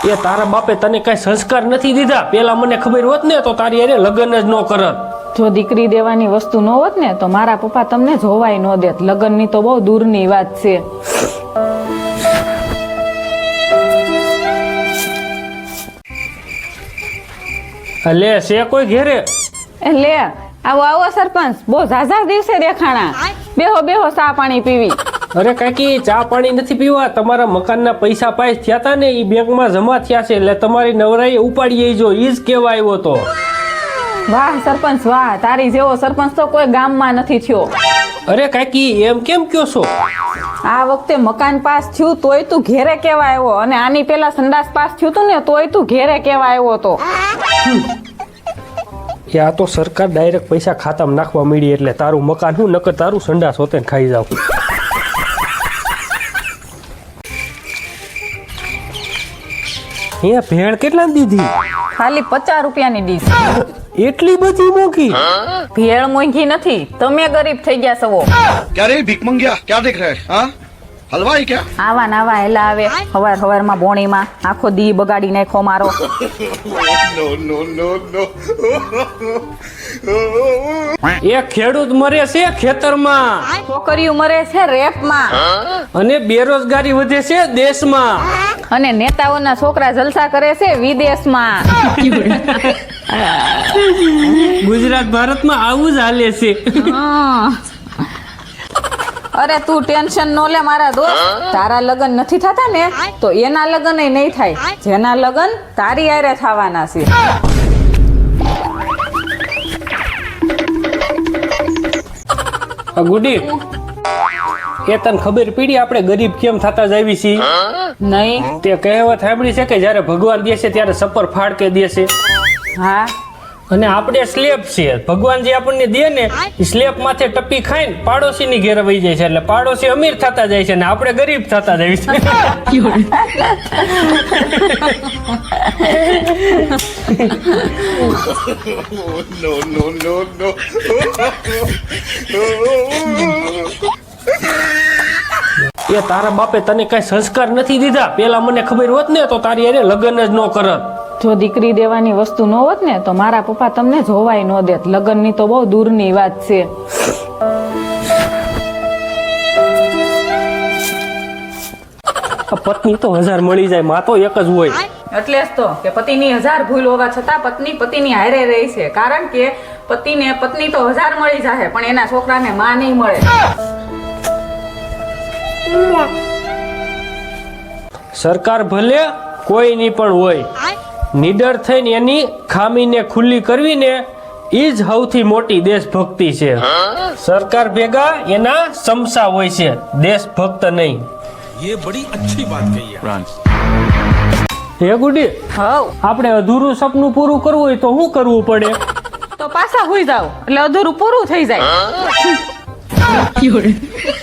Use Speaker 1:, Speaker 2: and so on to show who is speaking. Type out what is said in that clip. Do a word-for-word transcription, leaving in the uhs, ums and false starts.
Speaker 1: એ તારા બાપે તને કઈ સંસ્કાર નથી દીધા. પેલા મને ખબર હોત ને તો તારી અરે લગ્ન જ ન કરત.
Speaker 2: જો દીકરી દેવાની વસ્તુ ન હોત ને તો મારા પપ્પા તમને જોવાય ન દેત. લગ્નની તો બહુ દૂરની વાત છે.
Speaker 1: લે છે કોઈ ઘેરે?
Speaker 2: એ લે આવો આવો સરપંચ, બહુ ઝાઝા દિવસે દેખાણા. બેહો બેહો, ચા પાણી પીવી.
Speaker 1: અરે કાકી, ચા પાણી નથી પીવા. તમારા મકાનના પૈસા પાસ થયા હતા ને એ બેંકમાં જમા થયા છે એટલે તમારી નવરાઈએ ઉપાડી જો ઈ જ કેવા આવ્યો તો.
Speaker 2: વાહ સરપંચ વાહ, તારી જેવો સરપંચ તો કોઈ ગામમાં નથી થયો.
Speaker 1: અરે કાકી, એમ કેમ કયો છો?
Speaker 2: આ વખતે મકાન પાસ થયું તોય તું ઘેરે કેવા આવ્યો, અને આની પેલા સંડાસ પાસ થયું તું ને તોય તું ઘેરે કેવા આવ્યો તો.
Speaker 1: એ આ તો સરકાર ડાયરેક્ટ પૈસા ખાતામાં નાખવા મળી એટલે તારું મકાન હું નકર તારું સંડાસ હોતે ને ખાઈ જાવ. અહીંયા ભેળ કેટલા દીધી?
Speaker 2: ખાલી પચાસ રૂપિયાની ડીશ.
Speaker 1: એટલી બધી મોંઘી?
Speaker 2: ભેળ મોંઘી નથી, તમે ગરીબ થઈ ગયા સવો.
Speaker 3: क्या रे भीख मंगिया क्या देख रहे हैं हाँ हलवाई क्या
Speaker 2: આવા નાવા હેલા આવે હવાર હવારમાં બોણીમાં આખો દી બગાડી નાખો મારો.
Speaker 3: नो नो नो नो
Speaker 1: એ ખેડૂત મરે છે ખેતરમાં
Speaker 2: છોકરીઓ મરે છે રેપમાં,
Speaker 1: અને બેરોજગારી વધે છે દેશમાં,
Speaker 2: અને નેતાઓના છોકરા જલસા કરે છે વિદેશમાં.
Speaker 1: ગુજરાત ભારતમાં આવું જ હાલે છે.
Speaker 2: હા. અરે તું ટેન્શન નો લે મારા દોસ્ત, તારા લગન નથી થતા ને તો એના લગન નહીં થાય, જેના લગન તારી હારે થવાના છે.
Speaker 1: ગુડી, એ તને ખબર પડી આપણે ગરીબ કેમ થતા જાવી છીએ?
Speaker 2: નહીં.
Speaker 1: તે કહેવત સાંભળી છે કે જ્યારે ભગવાન દે છે ત્યારે સપર ફાડકે દે છે.
Speaker 2: હા,
Speaker 1: અને આપણે સ્લેબ છે, ભગવાન જે આપણને દે ને એ સ્લેબ માથે ટપી ખાઈને પાડોશી ની ઘેર વહી જાય છે એટલે પાડોશી અમીર થતા જાય છે ને આપણે ગરીબ થતા જાય
Speaker 3: नो नो नो नो
Speaker 1: છે. એ તારા બાપે તને કઈ સંસ્કાર નથી દીધા. પેલા મને ખબર હોત ને તો તારી અરે લગ્ન જ ન કરત.
Speaker 2: જો દીકરી દેવાની વસ્તુ ન હોત ને તો મારા પપ્પા તમને જોવાય ન દેત. લગ્નની તો બહુ દૂરની વાત છે.
Speaker 1: પત્ની તો હજાર મળી જાય, માં તો એક જ હોય.
Speaker 2: એટલે જ તો કે પતિની હજાર ભૂલ હોવા છતાં પત્ની પતિની હારે રહી છે, કારણ કે પતિને પત્ની તો હજાર મળી જાય પણ એના છોકરાને માં નહીં મળે.
Speaker 1: સરકાર ભલે કોઈની પણ હોય, નીડર થઈને એની ખામીને ખુલ્લી કરવી ને એ જ સૌથી મોટી દેશભક્તિ છે. સરકાર ભેગા એના સમસા હોય છે, દેશભક્ત નહીં.
Speaker 4: ये बड़ी अच्छी बात कही है.
Speaker 1: હે ગુડી,
Speaker 2: હવ
Speaker 1: આપણે અધૂરું સપનું પૂરું કરવું હોય તો શું કરવું પડે?
Speaker 2: તો પાછા હુઈ જાવ એટલે અધૂરું પૂરું થઈ જાય.